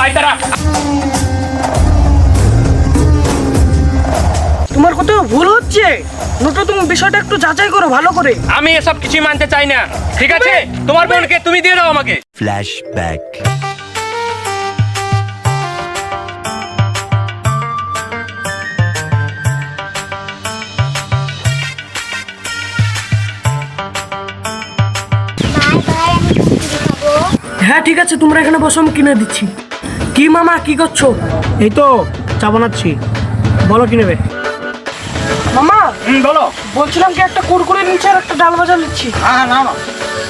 পায়তারা। তোমার কোথাও ভুল হচ্ছে নোটো, তুমি বিষয়টা একটু যাচাই করো ভালো করে। আমি এসব কিছুই মানতে চাই না, ঠিক আছে? তোমার বোনকে তুমি দিয়ে দাও আমাকে। ফ্ল্যাশব্যাক। হ্যাঁ ঠিক আছে, তোমরা এখানে বসো, আমি কিনে দিচ্ছি। কি মামা কি করছো? এই তো চা বানাচ্ছি, বলো কি নেবে? মামা বলো। বলছিলাম কি, একটা কুরকুরে নিচ্ছি আর একটা ডাল ভাজা নিচ্ছি। হ্যাঁ নাও না।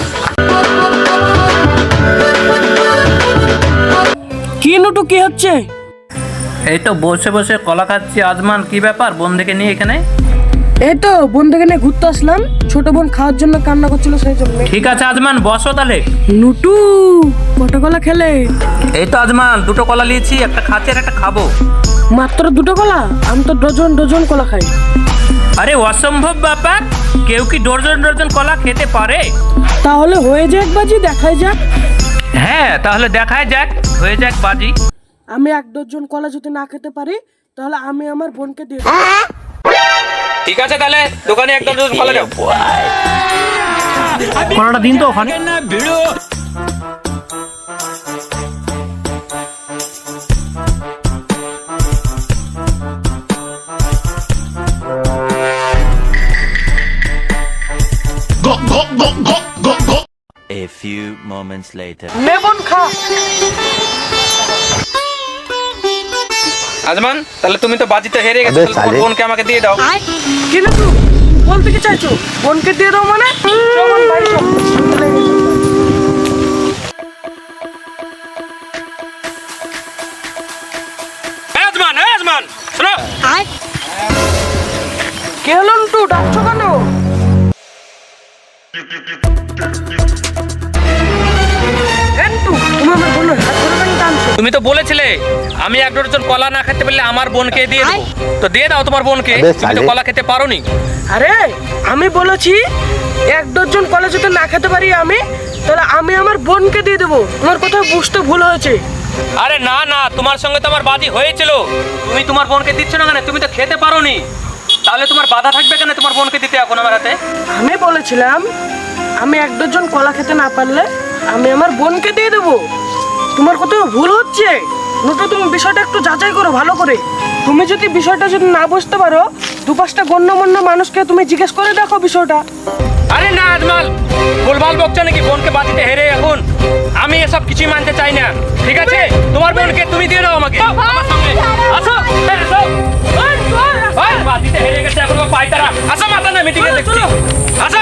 কি নোটু কি হচ্ছে? এই তো বসে বসে কলা খাচ্ছি। আজমান, কি ব্যাপার বন্ধুকে নিয়ে এখানে? এই তো বন্ধুকে নিয়ে ঘুরতে আসলাম, ছোট বোন খাওয়ার জন্য কান্না করছিল সেই জন্য। ঠিক আছে আজমান, বসো তাহলে। নুটু কটা কলা খেলে? এই তো আজমান, দুটো কলা নিয়েছি, একটা খাচ্ছি আর একটা খাবো। মাত্র দুটো কলা? আমি তো ডজন ডজন কলা খাই। আরে অসম্ভব ব্যাপার, কেউ কি ডজন ডজন কলা খেতে পারে? তাহলে হয়ে যাক বাজি, দেখাই যাক। হ্যাঁ তাহলে দেখায় যাক, হয়ে যাক বাজি। আমি এক ডজন কলা যদি না খেতে পারি তাহলে আমি আমার বোনকে দিয়ে দেব। ঠিক আছে তাহলে দোকানে একদম কলা দাও। কলাটা দিন তো ওখানে। A few moments later. নে বোন খা। আজমান, তাহলে তুমি তো বাজিতে হেরে গেছো, তাহলে তোমার বোনকে আমাকে দিয়ে দাও। কি নুটু বলতে কি চাইছো? বোনকে দিয়ে দাও মানে? চল বোন, বাড়ি চল। আজমান, আজমান শোনো। কে হলো নুটু, ডাকছো কেন? এই নুটু, তুমি আমার বোনের হাত ধরে কেন টানছো? তুমি তো বলেছিলে আমি এক ডজন কলা না খেতে পারলে আমার বোনকে দিয়ে দেবো, তো দিয়ে দাও তোমার বোনকে। তুমি তো কলা খেতে পারোনি। আরে আমি বলেছি এক ডজন কলা যদি না খেতে পারি আমি, তাহলে আমি আমার বোনকে দিয়ে দেবো। তোমার কথা বুঝতে ভুল হয়েছে। আরে না না, তোমার সঙ্গে তো আমার বাজি হয়েছিল। তুমি তোমার বোনকে দিচ্ছ না কেন? তুমি তো খেতে পারোনি, তাহলে তোমার বাধা থাকবে কেন তোমার বোনকে দিতে এখন আমার হাতে? আমি বলেছিলাম আমি এক ডজন কলা খেতে না পারলে আমি আমার বোনকে দিয়ে দেবো। তোমার কোথাও ভুল হচ্ছে নোটো, তুমি বিষয়টা একটু যাচাই করো ভালো করে। তুমি যদি বিষয়টা যদি না বুঝতে পারো, দু পাঁচটা গণ্যমান্য মানুষকে তুমি জিজ্ঞেস করে দেখো বিষয়টা। আরে না আজমাল, ভুলভাল বকছো নাকি? বোনকে বাজিতে হেরে এখন আমি এসব কিছুই মানতে চাই না, ঠিক আছে? তোমার বোনকে তুমি দিয়ে দাও আমাকে। আমার সঙ্গে আসো, এই আসো। ওই বাজিতে হেরে গেছে এখন ও পায়তারা। আসো মাথা না মিটিংয়ে দেখছি। আসো।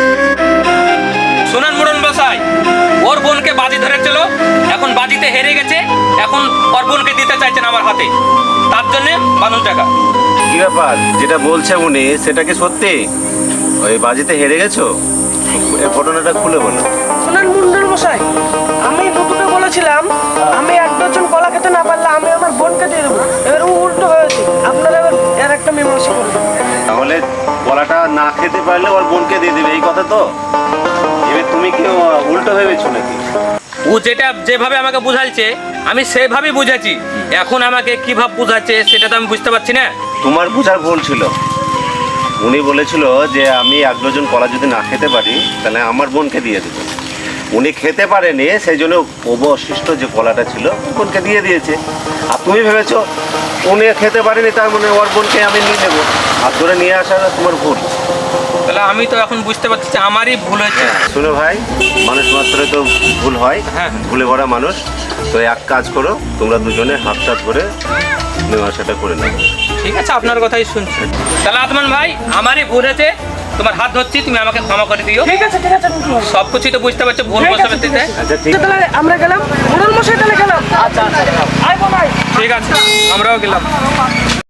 শুনুন মুরন বসাই, ওর বোনকে বাজি ধরেছিল, এখন বাজিতে হেরে গেছে, এখন ওর বোনকে দিতে চাইছেন আমার হাতে, তার জন্য ৫০ টাকা। কি ব্যাপার, যেটা বলছে উনি সেটা কি সত্যি? ওই বাজিতে হেরে গেছো? এই ঘটনাটা খুলে বলো। শোনেন মুন্ডুর মশাই, আমি নুটুকে বলেছিলাম আমি এক ডজন কলা খেতে না পারলে আমি আমার বোনকে দিয়ে দেবো। এবার ও উল্টো হয়েছে, আপনারা এবার এর একটা মীমাংসা করবেন। তাহলে কলাটা না খেতে পারলে ওর বোনকে দিয়ে দেবে, এই কথা তো? এবার তুমি কি উল্টো ভেবেছো নাকি? ও যেটা যেভাবে আমাকে বুঝাইছে আমি সেভাবেই বুঝাচ্ছি, এখন আমাকে কিভাবে বুঝাচ্ছে সেটা তো আমি বুঝতে পারছি না। তোমার বোঝার ভুল ছিল। উনি বলেছিল যে আমি এক ডজন কলা যদি না খেতে পারি তাহলে আমার বোনকে দিয়ে দেবো। উনি খেতে পারেনি, সেই জন্য অবশিষ্ট যে কলাটা ছিল বোনকে দিয়ে দিয়েছে। আর তুমি ভেবেছো উনি খেতে পারেনি তার মানে ওর বোনকে আমি নিয়ে নেবো, আর ধরে নিয়ে আসাটা তোমার ভুল। তাহলে আমি তো এখন বুঝতে পারছি যে আমারই ভুল হয়েছে। শুনো ভাই, মানুষ মাত্রই তো ভুল হয়, হ্যাঁ। ভুলে ভরা মানুষ। তো এক কাজ করো, তোমরা দুজনে হাত টাত ধরে মীমাংসাটা করে নাও। ঠিক আছে, আপনার কথাই শুনছি। তাহলে আতমান ভাই, আমারই ভুল হয়েছে, তোমার হাত ধরছি, তুমি আমাকে ক্ষমা করে দিও। ঠিক আছে ঠিক আছে নুটু, সব কিছুই তো বুঝতে পারছো, ভুল ঠিক আছে, বসে ঠিক আছে। আচ্ছা ঠিক তাহলে আমরা গেলাম, মুন্ডুর মশাই তাহলে গেলাম। আচ্ছা আচ্ছা, আয় বোন আয়। ঠিক আছে, আমরাও গেলাম।